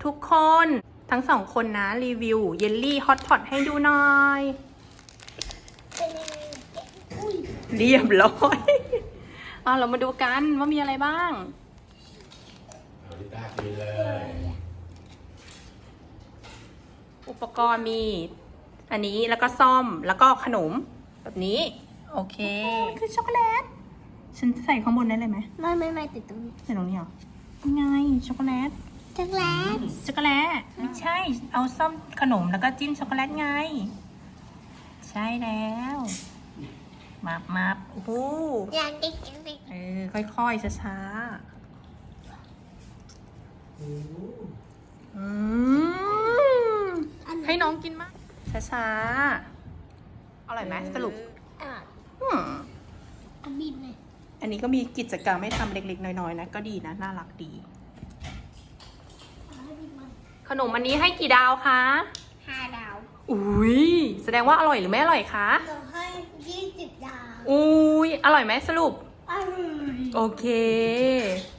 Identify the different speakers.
Speaker 1: ทุกคนทั้งสองคนนะรีวิวเยลลี่ฮอตพอตให้ดูหน่อยเรียบร้อยเรามาดูกันว่ามีอะไรบ้าง
Speaker 2: ลิต้ากินเลย
Speaker 1: อุปกรณ์มีอันนี้แล้วก็ซ่อมแล้วก็ขนมแบบนี้โอเคคือช็อกโกแลตฉันใส่ข้างบนได้เลยไหม
Speaker 3: ไม่ติดตรงนี้
Speaker 1: ใส่ตรงนี้เหรอไงช็อกโกแลต
Speaker 3: ช็อกโกแลต
Speaker 1: ไม่ใช่เอาซ่อมขนมแล้วก็จิ้มช็อกโกแลตไงใช่แล้วมาโอ้โห
Speaker 3: อยากกิน
Speaker 1: ค่อยๆช้าๆให้น้องกินมั้ยช้าๆอร่อยไหมสรุป
Speaker 3: บินเลย
Speaker 1: อันนี้ก็มีกิจกรรมให้ทำเล็กๆน้อยๆนะก็ดีนะน่ารักดีขนมอันนี้ให้กี่ดาวคะ
Speaker 3: 5 ดาว
Speaker 1: อุ้ยแสดงว่าอร่อยหรือไม่อร่อยคะ
Speaker 3: เราให้20 ดาว
Speaker 1: อุ้ยอร่อยไหมสรุป
Speaker 3: อร่อย
Speaker 1: โอเค